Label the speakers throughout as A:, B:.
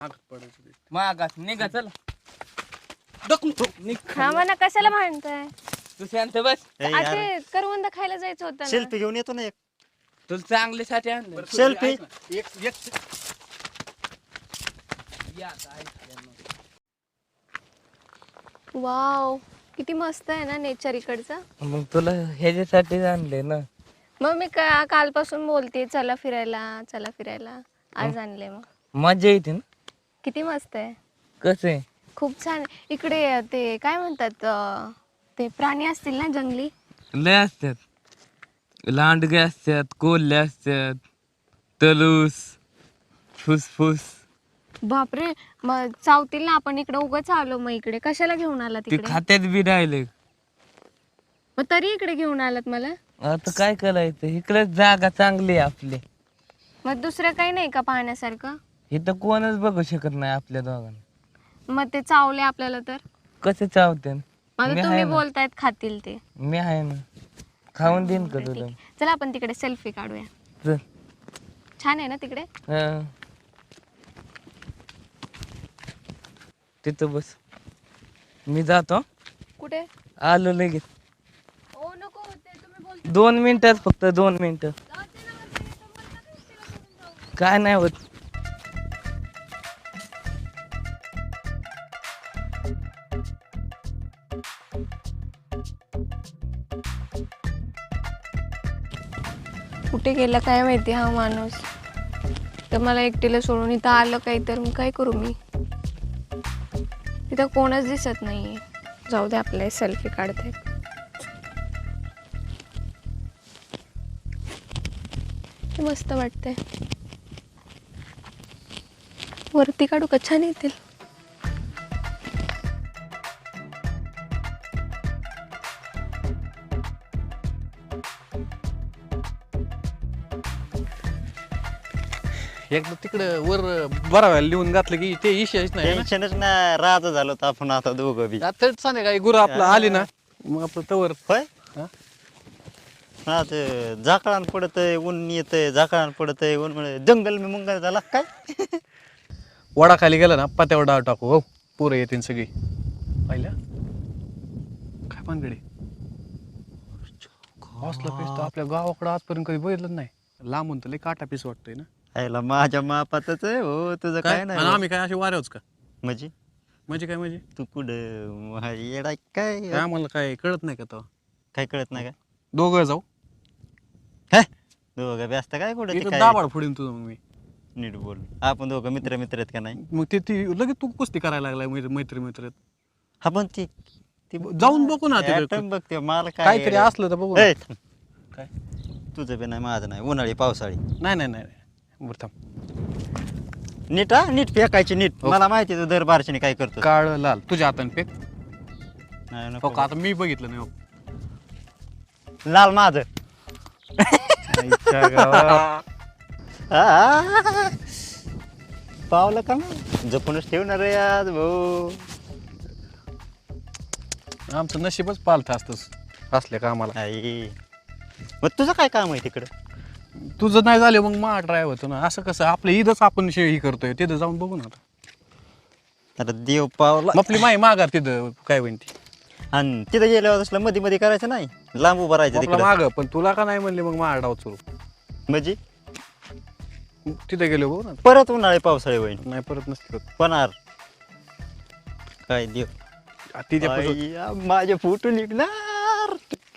A: मागास निघा चल.
B: हा म्हणा कशाला म्हणताय.
A: तू शांत बस.
B: आता करवंद खायला जायचं होतं ना.
C: सेल्फी घेऊन येतो ना एक.
A: तुला चांगल्यासाठी आणलं.
C: सेल्फी
B: वाव किती मस्त आहे ना नेचर इकडचं.
A: मग तुला ह्याच्यासाठी आणले ना.
B: मग मी कालपासून बोलते चला फिरायला आज आणले. मग
A: मजा येते ना.
B: किती मस्त आहे.
A: कसं आहे.
B: खूप छान आहे. इकडे ते काय म्हणतात ते प्राणी असतील ना जंगली.
A: लय असतात. लांडगे असतात, कोल्हे असतात, तलूस, फुसफुस.
B: बापरे मग चावतील ना. आपण इकडे उगाच आलो. मग इकडे कशाला घेऊन आलात
A: ते
B: इकडे.
A: खात्यात बी राहिले.
B: मग तरी इकडे घेऊन आलात मला.
A: आता काय करायचं. इकडे जागा चांगली आहे आपली.
B: मग दुसरं काही नाही का पाहण्यासारखं.
A: इथं कोणच बघू शकत नाही आपल्या दोघांना.
B: मग ते चावले आपल्याला तर
A: कसं चावते.
B: मला तुम्ही बोलतायत खातील ते.
A: मी आहे ना. खाऊन देईन का तुला.
B: चला आपण तिकडे सेल्फी काढूया.
A: चल.
B: छान आहे ना तिकडे.
A: हा. तिथं बस. मी जातो.
B: कुठे.
A: आलो लगेच.
B: ओ नको होते तुम्ही बोलता.
A: 2 मिनिटात फक्त 2 मिनिटं. काय नाही होत.
B: कुठे गेला काय माहिती हा माणूस. तर मला एकटीला सोडून इथं आलं काही तर मग काय करू मी. इथं कोणच दिसत नाहीये. जाऊ दे आपले सेल्फी काढते. मस्त वाटतंय. वरती काढू का छान येतील.
D: एकदा तिकडे वर बरा व्हायला लिहून घातलं की ते इशेच नाही ना.
C: टेन्शनच ना राजा झालो तर आपण आता दोघं बी.
D: आता संध्याकाळी गुरु आपलं आली ना मग आपलं तवर
C: होय
D: हा?
C: हा ते झाकळान पडतंय ऊन येतंय झाकळान पडतंय ऊन म्हणजे जंगल मी मुंगल झाला काय.
D: वडा खाली गेला ना पात्यावर डाळ टाकू. हो पोरं येतील सगळी. पाहिल्या काय पानगडे हॉसला पीस तर आपल्या गावाकडं आजपर्यंत कधी बघितलं नाही. लांबून तर लय काटा पीस वाटतंय ना.
C: आयला माझ्या मापातच आहे हो तुझं
D: काय
C: काय नाही
D: आणि
C: हो.
D: आम्ही काय असे वाऱ्यावच का
C: म्हणजे
D: म्हणजे काय म्हणजे
C: तू कुठं येडा काय
D: काय आम्हाला काय कळत नाही का तेव्हा.
C: काय कळत नाही का
D: दोघं जाऊ
C: हे दोघं व्यस्त काय कुठं ते
D: इथं
C: काय
D: दाबाड फोडीन तुझं मग मी.
C: नीट बोल आपण दोघं मित्र आहेत का नाही.
D: मग ती लगेच तू कुस्ती करायला लागलाय मैत्री
C: हा पण ती
D: जाऊन बघू ना तिकडे.
C: atom बघते मला काय
D: काहीतरी असलं तर बघू ना.
C: ए,
D: काय
C: तुझं बी नाही माझं नाही उन्हाळी पावसाळी
D: नाही बरं थांब.
C: नीट हा नीट फेकायची नीट
D: हो.
C: मला माहिती आहे तू दर बारशीने काय करतो.
D: काळ लाल तुझ्या हाताने फेक.
C: नाही,
D: हो
C: नको.
D: का आता मी बघितलं नाही. हो.
C: लाल माझं आ, पावलं का मग? जपूनच ठेवणार आहे आज भाऊ.
D: आमचं नशीबच पालथं असतं असल्या कामाला.
C: आई मग तुझं काय काम आहे तिकडं.
D: तुझं नाही झालं मग मा ड्राय होतो ना. असं कसं आपलं ईदच आपण ही करतोय तिथं जाऊन बघू ना.
C: आता देव पावला
D: मग आपली माई माघार तिथं काय होईन ती
C: आणि तिथं गेल्यावर असलं मध्ये मध्ये करायचं नाही लांब उभं राहायचं
D: आपला
C: तिकडं.
D: माग. पण तुला का नाही म्हणले मग मा डाव सुरू.
C: म्हणजे
D: तिथे गेलो बघू ना.
C: परत उन्हाळी पावसाळी होईल
D: नाही परत नसते होत.
C: पणार काय देव
D: तिथे
C: आई, माझे फोटो निघणार.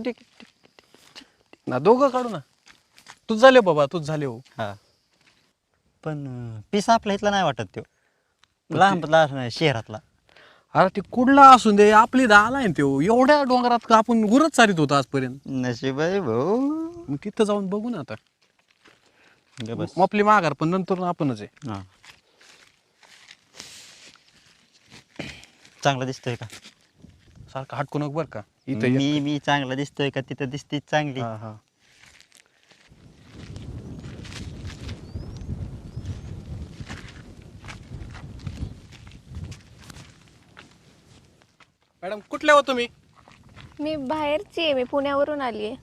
D: ना दोघं काढू ना. तूच झाले बाबा तूच झाले. हो
C: हा पण पिसा आपल्या इथला नाही वाटत तो लांबला नाही शहरातला.
D: अरे ते कुठला असून दे आपली आलाय ना तो. एवढ्या डोंगरात का आपण गुरच चालित होतो आजपर्यंत.
C: नशीब आहे भाऊ.
D: मग तिथं जाऊन बघू ना आता.
C: बस
D: मग आपली माघार पण नंतर आपणच आहे.
C: हा चांगला दिसतोय का.
D: सारखं हटकू नको बरं का. इथं ये.
C: मी चांगला दिसतोय का तिथं दिसतीच चांगली.
D: हा हा मॅडम कुठल्या हो तुम्ही.
B: मी बाहेरची आहे. मी पुण्यावरून आली आहे.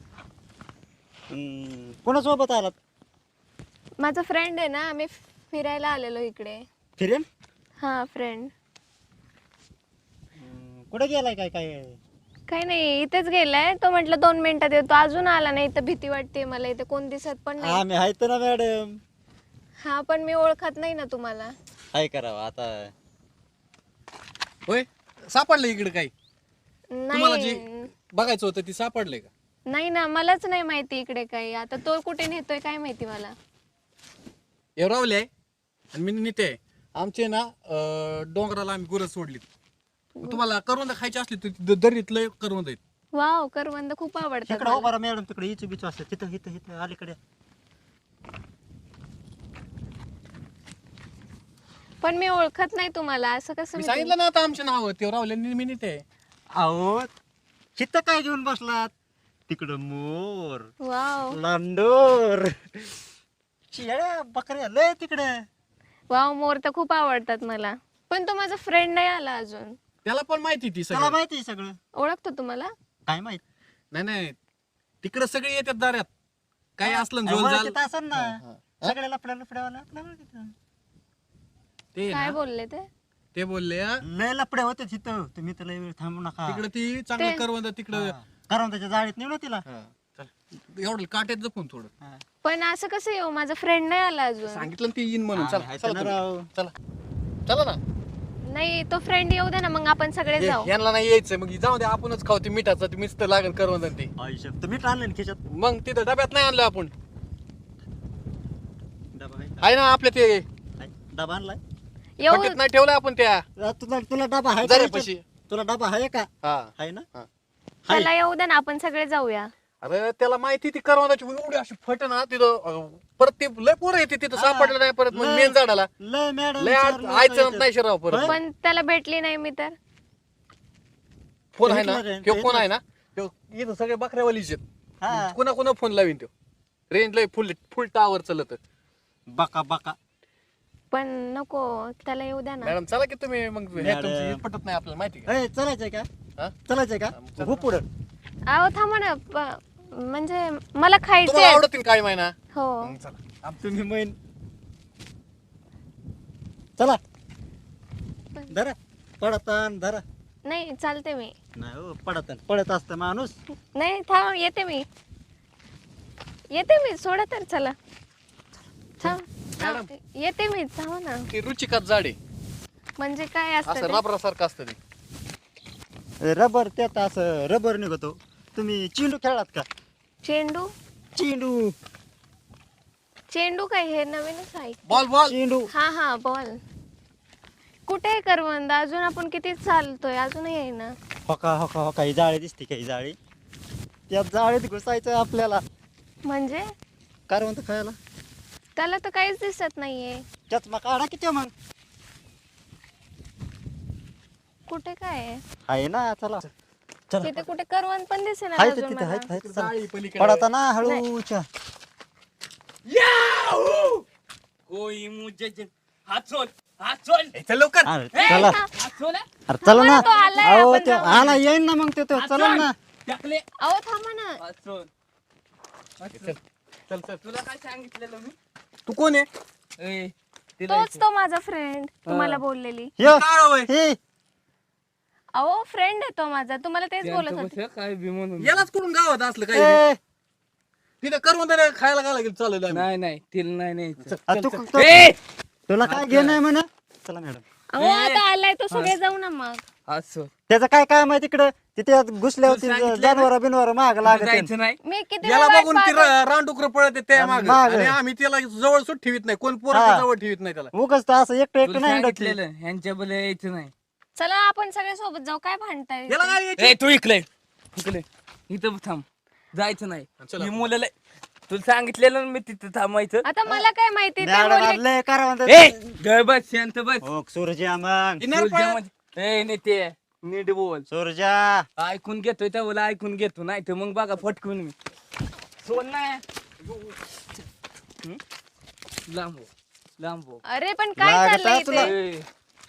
C: कोणासोबत आलात.
B: माझा फ्रेंड आहे ना. आम्ही फिरायला आलेलो इकडे.
C: फिरेल
B: हा फ्रेंड.
C: कुठे गेलाय काय काय?
B: काही नाही, इथेच गेलाय तो. म्हटलं 2 मिनिटात येतो, अजून आला नाही. तर भीती वाटते मला, इथे कोण दिसत पण नाही.
C: आम्ही आहेत ना मॅडम.
B: हा पण मी ओळखत नाही ना तुम्हाला.
C: काय करावं आता?
D: होय सापडलं इकडे काही? तुम्हाला जे
B: नाही
D: बघायचं होतं ती सापडलंय का?
B: नाही ना, मलाच नाही माहिती इकडे काही. आता तो कुठे नेतोय काय माहिती मला.
D: एवढावले आहे आणि मी नेते आहे. आमचे ना डोंगराला आम्ही गुरं सोडली. तुम्हाला करवंद खायची असली तर दरीतलं करवंद आहेत.
B: वाव, करवंद खूप आवडतात
C: तिकडे
B: मला.
C: उभा मॅडम, तिकडे इचू बिचू असते. तिथं इथं इथं अलीकडे.
B: पण मी ओळखत नाही तुम्हाला, असं कसं
D: मी
B: मी
D: सांगितलं ना आता आमचे नाव ते रावले मी नेते आहे.
C: अहो तिथं काय घेऊन बसलात? तिकडं मोर,
B: वाव
C: लांडोर, शेळ्या बकऱ्या लय तिकडे.
B: वाव, मोर तर खूप आवडतात मला. पण तो माझा फ्रेंड नाही आला अजून.
D: त्याला पण माहिती ती
C: त्याला
D: सगळं.
C: माहिती आहे सगळं.
B: ओळखतो तुम्हाला?
C: काय माहित?
D: नाही तिकडे सगळे येतात दारात. काय असलं ना झोल झाल
C: तिथं असेल ना सगळ्या लफड्या लफड्यावाला आपल्याला तिथं.
D: ते
B: काय
D: ना,
B: बोलले ते?
D: ते बोलले हा,
C: लय लफड्या होते तिथं. तुम्ही तर लय वेळ थांबू नका.
D: तिकडे ती चांगलं
B: ते-
D: करवंद तिकडं.
C: कारण त्याच्या जाळीत नेऊ ना तिला.
D: हा, चल. एवढं काट्यात जपून थोडं.
C: हा.
B: पण असं कसं येऊ, माझा फ्रेंड नाही आला अजून.
D: सांगितलं ना ती येईन म्हणून.
C: आम्ही
D: चला
C: आहेत
D: चला
C: ना
D: तुम्ही.
C: राव.
D: चला ना.
B: नाही, तो फ्रेंड येऊ दे ना, मग आपण सगळे
D: हे,
B: जाऊ.
D: यांना नाही यायचं मग जाऊ दे, आपणच खाऊ ते मिठाचं. ते मिस्त लागेल करवंद ते.
C: आयुष्यात तुम्ही आणलं ना खिशात.
D: मग तिथं डब्यात नाही आणलं आपण.
C: डबा आहे का?
D: आहे ना आपल्या ते
C: आहे. डबा आणलाय?
B: येऊ.
D: पट्टीत नाही ठेवलं आपण त्या
C: तुला तुला डबा आहे का?
D: जऱ्यापाशी.
C: तुला डबा आहे का?
D: हा.
C: आहे ना?
D: हा.
B: त्याला येऊ दे ना, आपण सगळे जाऊया.
D: अरे त्याला माहिती ती करवंदाची एवढी अशी फट ना तिथं. परत ते लय पोरं येते तिथं, सापडलं नाही परत. मग
C: लय-
D: मेन झाडाला
C: लय मॅडम
D: लय आयचं नाही शिराव परत.
B: पण त्याला भेटली नाही मी तर.
D: फोन आहे ना
C: भेटलं रे,
D: तो फोन आहे ना तो इथं सगळे बकऱ्यावालीच आहेत.
C: हा.
D: कुणा कुणा फोन लावीन तो. रेंज लय फुल फुल टावर चालत.
C: बका बका.
B: पण नको, त्याला येऊ द्या ना.
D: मॅडम चला की तुम्ही मग. हे
C: मॅडम.
D: तुमची हे पटत नाही आपल्याला माहिती का?
C: ए चलायचंय का?
D: हा?
C: चलायचंय का? हो पुढं.
B: अहो थांबा ना, म्हणजे मला खायचे.
D: तुम्हाला आवडतील काय महिना.
B: हो.
D: चला.
C: तुम्ही मैन चला. धरा पडतान धरा.
B: नाही चालते मी.
C: नाही हो, पडतान पडत असतं माणूस.
B: नाही थांब, येते मी. सोडा तर, चला. थांब, येते मी, थांब ना.
D: ती रुचिकात झाडे
B: म्हणजे काय
D: असं
B: असतं ते?
D: रबरासारखं असतं ते.
C: रबर त्यात असं रबर निघतो. तुम्ही चेंडू खेळात का?
B: चेंडू?
C: चेंडू
B: चेंडू काय, हे नवीनच आहे.
D: Ball ball.
C: चेंडू.
B: हा बॉल. कुठे आहे करवंद? अजून आपण किती चालतोय, अजूनही आहे ना.
C: होका होका होका. ही जाळी दिसते का? ही जाळी, त्या जाळीत घुसायचं आपल्याला.
B: म्हणजे
C: करवंद खायला.
B: त्याला तर काहीच दिसत नाहीये.
C: त्याच मग काढा किती मग.
B: कुठे काय आहे?
C: आहे ना. चला चला.
B: तिथे कुठे करवंद पण दिसेना
C: हाय
B: अजून
C: तिथे
B: मला.
C: हाय चला.
D: जाळी पलीकडे.
C: पडता ना हळूच्या.
A: कोई मुझे हात सोड, हात सोड.
D: ए, चल लवकर.
C: अरे चला.
A: हात सोड.
C: अरे चला ना.
B: तो आलाय,
C: अहो
B: आपण
C: ते
B: जाऊ.
C: आला येईन ना मग ते तो. चला ना.
A: टाकले.
B: अहो थांबा ना.
A: हात सोड.
D: चल चल.
A: तुला काय सांगितलेलं मी?
D: तू कोण आहे?
A: ए, तिला
B: तोच तो माझा फ्रेंड, तुम्हाला बोललेली.
C: यो,
D: काळं होय.
C: हे
B: अहो फ्रेंड आहे तो माझा, तुम्हाला तेच बोलत
A: त्यांचं
B: होते.
A: कसं काय बी म्हणून.
D: यालाच कुठून गावात असलं काही
C: ए,
D: तिथं करवंद खायला काय लागेल चालेल आम्ही.
A: नाही तिला नाही न्यायचं.
C: आ, तू
A: ए,
C: तुला काय घेणं आहे म्हणा. चला मॅडम.
B: अहो आता आलाय तो, सगळे जाऊ ना मग.
A: हात सोड.
C: त्याचं काय काय माहिती तिकडे तिथे घुसल्या होती
A: सांगितलं ना?
C: जानवर बिनवर माग लागत.
A: जायचं नाही.
B: मी किती
D: याला
B: वेळ वाट
D: बघून ती
B: पाहते.
D: रानडुकर पळत त्या मागे.
C: मागं.
D: आणि आम्ही त्याला जवळ सुट ठेवीत नाही. कोण पोरं
C: हा.
D: जवळ ठेवीत नाही त्याला.
C: उगच तर असं एकटं एकटं
A: तुला
C: नाही हिंडत ती.
A: सांगितलेलं ह्यांच्या बले यायचं नाही.
B: चला आपण सगळे सोबत जाऊ, काय भांडताय?
D: याला काय यायची?
A: ए, तू इकडे इथं थांब. जायचं नाही.
D: चला.
A: ही मुलं लय- तुला सांगितलेलं ना मी तिथं थांबायचं.
B: आता मला काय माहिती, ते
C: मॅडम
B: बोलले.
C: लय करा म्हणतात.
A: ए, ग बस, शांत बस.
C: हो सूर्या मग.
D: इनार
A: तुझ्या
D: पळत.
A: मध्ये- ए, नेते नीट बोल.
C: सूर्या
A: ऐकून घेतोय त्या बोला, ऐकून घेतो नाही तर मग बघा फटकून मी सोड नाही. लांब हो, लांब हो.
B: अरे पण काय
C: लागत
B: चाललंय
C: आहे तुला.
B: इथे?
A: ए,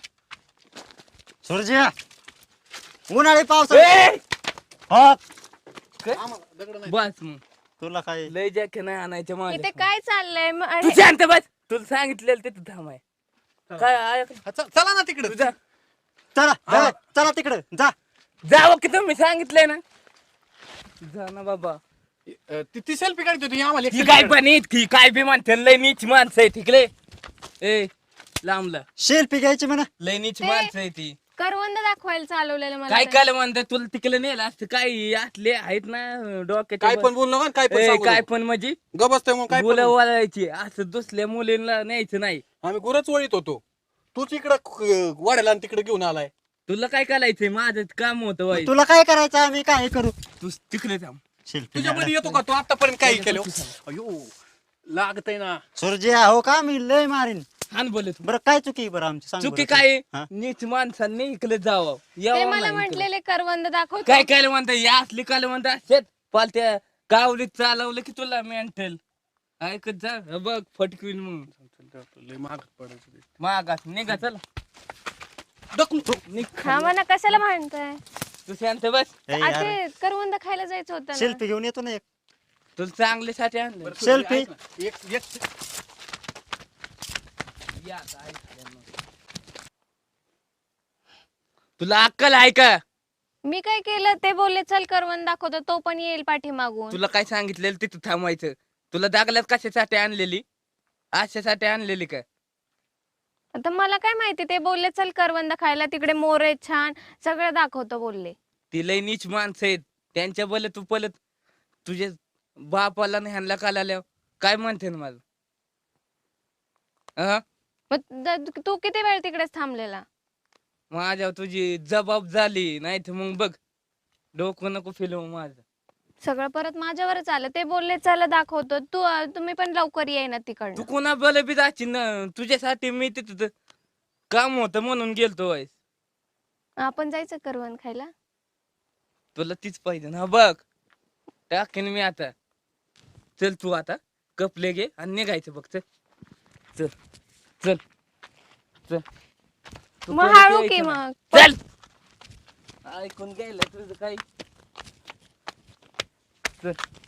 C: सूर्या उन्हाळी पावसा
A: ए,
C: हो.
A: काय?
D: आम्हाला दगड नाही.
A: बस मग
C: तुला काय
A: लय जॅके नाही आणायच्या
B: इथे
A: माझ्या.
B: काय चाललंय
A: तू शांत बस. तुला सांगितलेलं तिथं थांबाय. काय ऐक
D: चला ना तिकडे
A: जा
C: चला चला चला तिकडं जा.
A: जावं की तुम्ही सांगितलंय ना जा ना बाबा
D: ती सेल्फी काढत होती आम्हाला एक
A: ती
D: selfie
A: काय
D: काढ.
A: पण इतकी काय बी म्हणते लय नीच माणसं आहे तिकडे ए लांबला
C: सेल्फी घ्यायची म्हणा.
A: लय नीच माणसं आहे ती
B: करवंद दाखवायला चालवलेलं मला
A: काय
B: ते.
A: काय म्हणतात तुला तिकडे नेलं असतं काय असले आहेत ना डोक्याचे
D: काय पण बोल नका काय पण सांगू
A: काय
D: नको.
A: पण म्हणजे
D: गप बसतोय मग काय पण
A: मुलं
D: बोल.
A: वळायची असं दुसऱ्या मुलींना न्यायचं नाही
D: आम्ही गुरच वळीत होतो तूच इकडं वाढायला आणि तिकडे घेऊन आलाय.
A: तुला काय करायचंय माझं काम होतं वाई
C: तुला काय करायचं आम्ही काय करू.
A: तू तिकडे थांब
C: सेल्फी
D: तुझ्यामध्ये येतो का तू आतापर्यंत काही केलं अयो लागतय ना.
C: सुरजिया हो का मी लय मारीन.
A: हान बोलत
C: बरं काय चुकी बरं आमची सांग
A: चुकी
C: बरं.
A: काय
C: हा?
A: नीच माणसांनी इकडे जावं
B: ते
A: यावं
B: मला
A: नाही इकडे.
B: म्हटलेले करवंद दाखव
A: काय काय म्हणता या असली काय म्हणता शेत पालत्या गावलीत चालवलं की तुला मेंटल ऐकत जा हे बघ फटकवीन मग
D: लय महाग पडायचं ते.
A: मागास निघा चल निघ
B: हा म्हणा कशाला म्हणताय
A: तू शांत बस
C: ए, यार,
B: ते करवंद खायला जायचं होतं ना.
C: सेल्फी घेऊन येतो ना एक.
A: तुला चांगल्यासाठी आणलं
D: बरं,
C: Selfie.
D: ऐक ना. एक
A: या आता ऐक मग. तुला अक्कल आहे का
B: मी काय केलं ते बोलले चल करवंद दाखवतो तो पण येईल पाठीमागून.
A: तुला काय सांगितलेलं तिथं थांबायचं तुला दागल्यात कशासाठी आणलेली अशासाठी आणलेली का
B: आता मला काय माहिती ते बोलले चल करवंद खायला तिकडे मोर आहेत छान सगळं दाखवतो बोलले.
A: ती लय नीच माणसं आहेत त्यांच्या बल तू पलत तुझे बापाला नाही ह्यांना काल काय म्हणते ना माझं अं?
B: मग तू किती वेळ तिकडेच थांबलेला.
A: माझ्यावर तुझी जबाब झाली नाही तर मग बघ डोकं नको फिरवू माझं
B: सगळं परत माझ्यावरच आलं ते बोलले चला दाखवतो तुम्ही पण लवकर येई ना
A: तू
B: तिकडनं.
A: कोणा बल बी जाची ना तुझ्यासाठी मी तिथं काम होतं म्हणून गेलतो वाईस
B: आपण जायचं करवंद खायला.
A: तुला तीच पाहिजे ना बघ टाकेन मी आता चल तू आता कपले घे आणि निघायचं बघ चल चल चल चल तू
B: मग
A: परत
B: हळू
A: यायचं
B: की
A: नाही.
B: मग
A: चल ऐकून घ्यायला तुझं काही चल